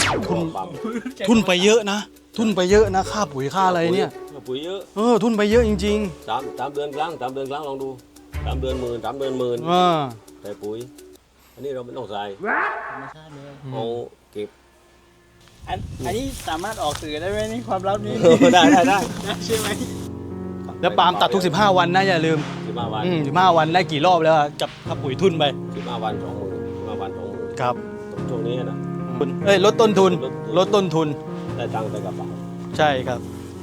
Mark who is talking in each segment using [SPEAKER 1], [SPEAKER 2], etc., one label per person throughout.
[SPEAKER 1] ทุนทุนไปเยอะนะทุนไปเยอะนะค่าปุ๋ยค่าอะไรเนี่ย
[SPEAKER 2] ปุ๋ยเยอะ
[SPEAKER 1] ทุนไปเยอะจริง
[SPEAKER 2] ๆ3 เดือนครั้งลองดู3 เดือนหมื่นใส่ปุ๋ยอันนี้เราไม่ต้องใส่
[SPEAKER 3] ธรรมชาติเลย
[SPEAKER 2] เอาเก็บ
[SPEAKER 3] อันนี้สามารถออกสื่อได้ไหมนี่ความลับนี้
[SPEAKER 2] ได้
[SPEAKER 3] ใช่ไหม
[SPEAKER 1] แล้วปาล์มตัดทุก15 วันนะอย่าลืม
[SPEAKER 2] 15 วัน
[SPEAKER 1] 15 วันได้กี่รอบแล้วกับค่าปุ๋ยทุนไป
[SPEAKER 2] 15 วัน 20,000
[SPEAKER 1] ครับ
[SPEAKER 2] ช่วงนี้นะ
[SPEAKER 1] ลดต้นทุน
[SPEAKER 2] ได้ตังค์ในกระเป๋า
[SPEAKER 1] ใช่ครับ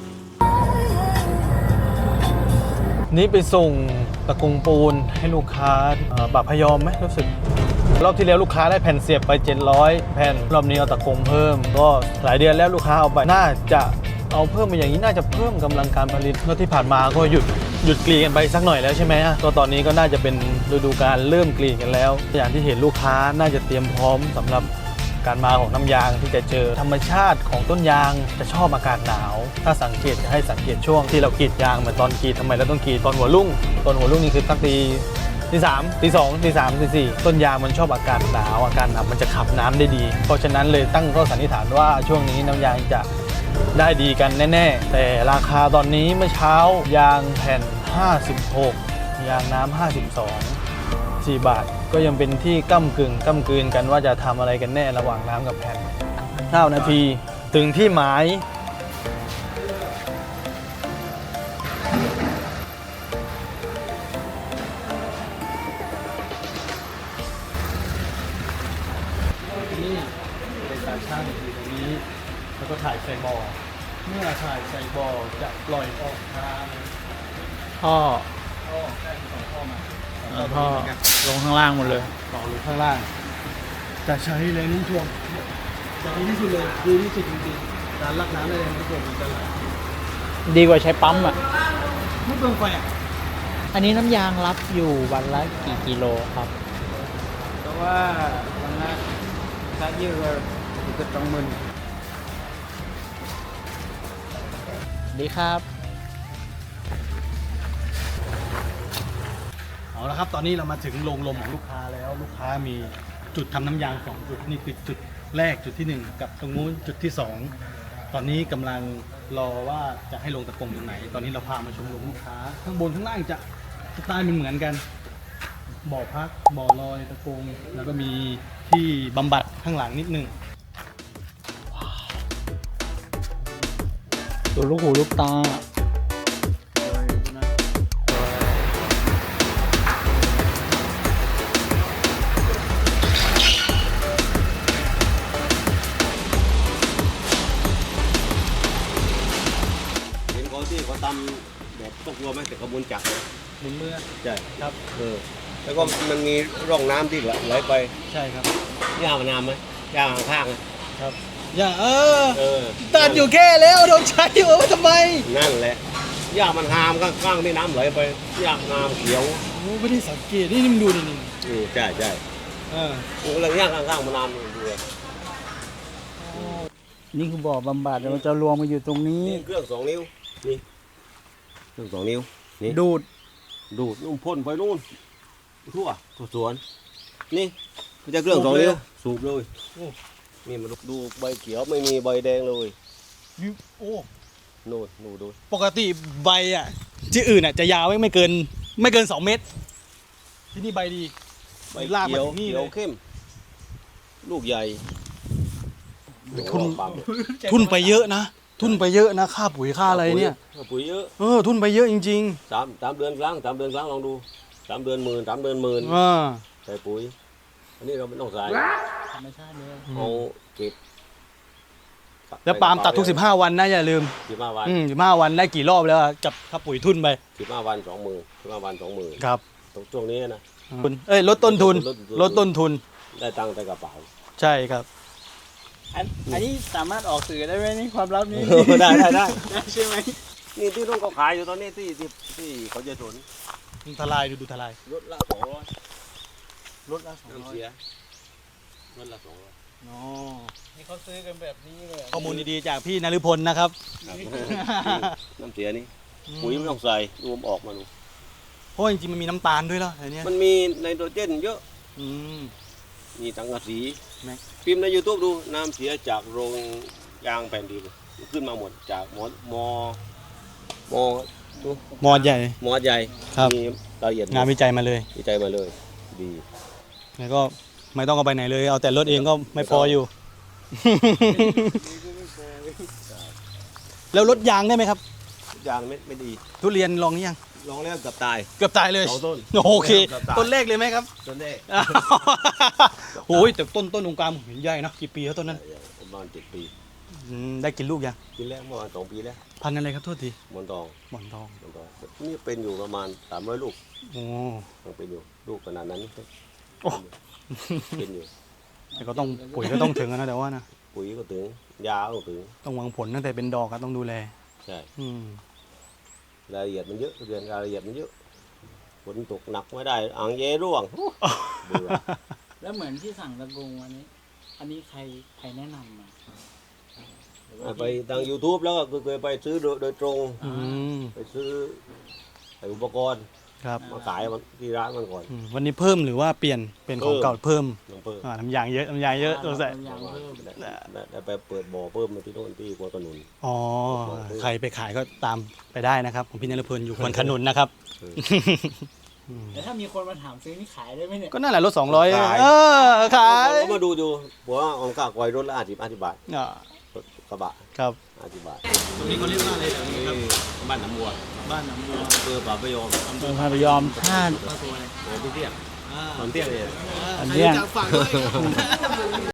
[SPEAKER 1] นี่ไปส่งตะกงปูนให้ลูกค้าบากพยอมไหมรู้สึกรอบที่แล้วลูกค้าได้แผ่นเสียบไป700 แผ่นรอบนี้เอาตะกงเพิ่มก็หลายเดือนแล้วลูกค้าเอาไปน่าจะเอาเพิ่มไปอย่างนี้น่าจะเพิ่มกำลังการผลิตแล้วที่ผ่านมาก็หยุดกรีดกันไปสักหน่อยแล้วใช่ไหมก็ตอนนี้ก็น่าจะเป็นฤดูกาลเริ่มกรีดกันแล้วอย่างที่เห็นลูกค้าน่าจะเตรียมพร้อมสำหรับการมาของน้ำยางที่จะเจอธรรมชาติของต้นยางจะชอบอากาศหนาวถ้าสังเกตให้สังเกตช่วงที่เรากรีดยางเหมือนตอนกรีดทำไมเราต้องกรีดตอนหัวรุ่งนี่คือสักตี 3 ตี 2 ตี 3 ตี 4ต้นยางมันชอบอากาศหนาวมันจะขับน้ำได้ดีเพราะฉะนั้นเลยตั้งข้อสันนิษฐานว่าช่วงนี้น้ำยางจะได้ดีกันแน่ๆแต่ราคาตอนนี้เมื่อเช้ายางแผ่น56ยางน้ำ52 4 บาทก็ยังเป็นที่ก้ำกลืนกันว่าจะทำอะไรกันแน่ระหว่างน้ำกับแผ่น9 นาทีถึงที่หมายนี่เป็นการช่างอยู่ตรงนี้แล้วก็ถ่ายใส่บ่อเมื่อถ่ายใส่บ่อจะปล่อยออกทาง
[SPEAKER 3] พ่อ
[SPEAKER 1] ใช่2 ท่อมา
[SPEAKER 3] พ่อลงข้างล่างหมดเลย
[SPEAKER 1] ต่อลงข้างล่างจะใช้แรงโน้มถ่วงจะดีที่สุดเลยดีที่สุดจริงๆการลักน้ำในแรงโน้มถ่วงมันจะไหล
[SPEAKER 3] ดีกว่าใช้ปั๊ม
[SPEAKER 1] ไม่เปลืองไฟ
[SPEAKER 3] อันนี้น้ำยางรับอยู่วันละกี่กิโลครับ
[SPEAKER 1] เพราะว่าวันละถ้าเยอะก็ต้องมึน
[SPEAKER 3] ดีครับ
[SPEAKER 1] เอาละครับตอนนี้เรามาถึงโรงลมของลูกค้าแล้วลูกค้ามีจุดทำน้ำยาง2 จุดนี่คือจุดแรกจุดที่1กับตรงนู้นจุดที่2ตอนนี้กำลังรอว่าจะให้ลงตะกงตรงไหนตอนนี้เราพามาชมโรงลูกค้าข้างบนข้างล่างจะสไตล์เหมือนกันบ่อพักบ่อลอยตะกงแล้วก็มีที่บำบัดข้างหลังนิดนึง
[SPEAKER 3] ดูลูกหูลูกตา
[SPEAKER 2] ที่เขาทำแบบต้องกลัวไหมแต่กระบวนจักร
[SPEAKER 1] หมุนมือ
[SPEAKER 2] ใช่
[SPEAKER 1] ครับ
[SPEAKER 2] แล้วก็มันมีร่องน้ำที่ไหลไป
[SPEAKER 1] ใช่ครับ
[SPEAKER 2] ย่ามันน้ำไหมย่าข้าง
[SPEAKER 1] ครับย่าตัดอยู่แค่แล้วโดนใช้อยู่ทำไม
[SPEAKER 2] นั่นแหละย่ามันหามข้างที่น้ำไหลไปย่าน้ำเขียว
[SPEAKER 1] ไม่ได้สังเกตนี่มึงดูนี่
[SPEAKER 2] ใช่ผมกำลังย่าข้างมันน้ำดู
[SPEAKER 3] นี่คือบ่อบำบัดมันจะรวมมาอยู่ตรงนี้
[SPEAKER 2] เครื่อง2 นิ้วนี่เครื่อง2 นิ้วนี่
[SPEAKER 3] ดูด
[SPEAKER 2] นู่นพ่นไปนู่นทั่วสวนนี่จะเครื่อง2 นิ้วสูบเลยนี่มันดูใบเขียวไม่มีใบแดงเลย
[SPEAKER 1] โอ้
[SPEAKER 2] นู่นดู
[SPEAKER 1] ปกติใบที่อื่นจะยาวไม่เกิน2 เมตรที่นี่ใบดี
[SPEAKER 2] ใบลากแบบนี้เลยเข้มลูกใหญ่
[SPEAKER 1] ทุนไปเยอะนะค่าปุ๋ยค่าอะไรเนี่ย
[SPEAKER 2] ปุ๋ยเยอะ
[SPEAKER 1] ทุนไปเยอะจริง
[SPEAKER 2] ๆ3 เดือนครั้งลองดู3 เดือนหมื่นใส่ปุ๋ยอันนี้เราไม่ต้องใส่
[SPEAKER 3] ธรรมชาติเลย
[SPEAKER 2] เอาเก็บ
[SPEAKER 1] แล้วปาล์มตัดทุก15 วันนะอย่าลืม
[SPEAKER 2] 15 วัน
[SPEAKER 1] 15 วันได้กี่รอบแล้วกับค่าปุ๋ยทุนไป
[SPEAKER 2] 15 วัน 20,000
[SPEAKER 1] ครับ
[SPEAKER 2] ช่วงนี้นะ
[SPEAKER 1] ลดต้นทุน
[SPEAKER 2] ได้ตังค์ในกระเป๋า
[SPEAKER 1] ใช่ครับ
[SPEAKER 3] อันนี้สามารถออกสื่อได้ไหมนี่ความลับนี้
[SPEAKER 2] ได้
[SPEAKER 3] ใช่ไหม
[SPEAKER 2] นี่ที่น้องเขาขายอยู่ตอนนี้ที่เขาจะสน
[SPEAKER 1] ทลายดูทลาย
[SPEAKER 2] รถละ200
[SPEAKER 1] รถละ200
[SPEAKER 2] เสียรถละ200
[SPEAKER 3] นี่เขาซื้อกันแบบนี้เลย
[SPEAKER 1] ข้อมูลดีๆจากพี่นฤพลนะครับ
[SPEAKER 2] น้ำเสียนี่ปุ๋ยไม่ต้องใส่รวมออกมาดู
[SPEAKER 1] เพราะจริงๆมันมีน้ำตาลด้วยแล้วอะไรเนี้ย
[SPEAKER 2] มันมีไนโตรเจนเยอะมีสังกะสี
[SPEAKER 1] แม็ก
[SPEAKER 2] พิมพ์ใน YouTube ดูน้ำเสียจากโรงยางแผ่นดินขึ้นมาหมดจากมดู
[SPEAKER 1] มอดใหญ่
[SPEAKER 2] หมอใหญ่
[SPEAKER 1] ครับ
[SPEAKER 2] มีรายละเอียด
[SPEAKER 1] งานวิจัยมาเลย
[SPEAKER 2] วิจัยมาเลยดี
[SPEAKER 1] แล้วก็ไม่ต้องเอาไปไหนเลย เอาแต่รถเองก็ไม่พออยู่ แล้วรถยางได้ไหมครับ
[SPEAKER 2] ยางไม่ดี
[SPEAKER 1] ทุเรียนลองหรือยัง
[SPEAKER 2] ลองแล้วเกับตาย
[SPEAKER 1] เกือบตายเลย
[SPEAKER 2] สองต้น
[SPEAKER 1] โอเค
[SPEAKER 2] เกือบตาย
[SPEAKER 1] ต้นแรกเลยไหมครับ
[SPEAKER 2] ต้นแรก
[SPEAKER 1] โอ้ยแต่ต้นตรงกลางเห็นใหญ่นะกี่ปีแล้วต้นนั้น
[SPEAKER 2] ประมาณ7 ปี
[SPEAKER 1] ได้กินลูกยัง
[SPEAKER 2] กินแล้วเมื่อวาน2 ปีแล้ว
[SPEAKER 1] พันธุ์อะไรครับโทษที
[SPEAKER 2] หมอนทอง
[SPEAKER 1] หมอนทอง
[SPEAKER 2] นี่เป็นอยู่ประมาณ300 ลูก
[SPEAKER 1] โอ้
[SPEAKER 2] ยังเป็นอยู่ลูกขนาดนั้น
[SPEAKER 1] โอ้
[SPEAKER 2] เป็นอยู่
[SPEAKER 1] แต่ก็ต้องปุ๋ยก็ต้องถึงนะแต่ว่านะ
[SPEAKER 2] ปุ๋ยก็ถึงยาก็ถึง
[SPEAKER 1] ต้องหวังผลตั้งแต่เป็นดอกก็ต้องดูแล
[SPEAKER 2] ใช่
[SPEAKER 1] อืม
[SPEAKER 2] รายละเอียดมันเยอะเรียนรายละเอียดมันเยอะฝนตกหนักไม่ได้อ่างเยร่วงเบื่อ
[SPEAKER 3] แล้วเหมือนที่สั่งตะกงอันนี้ใครแนะนำมา
[SPEAKER 2] ไปทาง YouTube แล้วก็เคยไปซื้อโดยตรง
[SPEAKER 1] อืม
[SPEAKER 2] ไปซื้ออุปกรณ์
[SPEAKER 1] ครับ
[SPEAKER 2] มาขายมันที่ร้านมันก่อน
[SPEAKER 1] วันนี้เพิ่มหรือว่าเปลี่ยนเป็นของเก่าเพิ่ม
[SPEAKER 2] ลงเพิ่ม
[SPEAKER 1] น้ำยางเยอะน้ำยางเยอะตัวใส่
[SPEAKER 3] ยางเพิ่ม
[SPEAKER 2] ได้ไปเปิดบ่อเพิ่มมาที่โน่นที่กัวกระนุน
[SPEAKER 1] อ๋อใครไปขายก็ตามไปได้นะครับของพี่นรพลอยู่ควนขนุนนะครับ
[SPEAKER 3] แต่ถ้ามีคนมาถามซื้อนี่ขายได้ไหมเนี่ย
[SPEAKER 1] ก็นั่นแหละรถ200
[SPEAKER 2] ขาย
[SPEAKER 1] ขาย
[SPEAKER 2] ก็มาดูอยู่บอกว่าองค์กากอยรถละ50 บาท
[SPEAKER 1] อ่าร
[SPEAKER 2] ถกระบะ
[SPEAKER 1] ครับ
[SPEAKER 2] 50 บาท
[SPEAKER 1] ตรงนี้เขาเรียกว่าอะไรครับ
[SPEAKER 2] บ้านหนองบัว
[SPEAKER 1] บ้านหนองบัว
[SPEAKER 2] อำเภอป่าพยอม
[SPEAKER 3] อำเภอพาพยอมท่า
[SPEAKER 2] หอมเตี้ยหอมเตี้ยเลย
[SPEAKER 3] อันเนี้ย
[SPEAKER 1] ฝากด้วย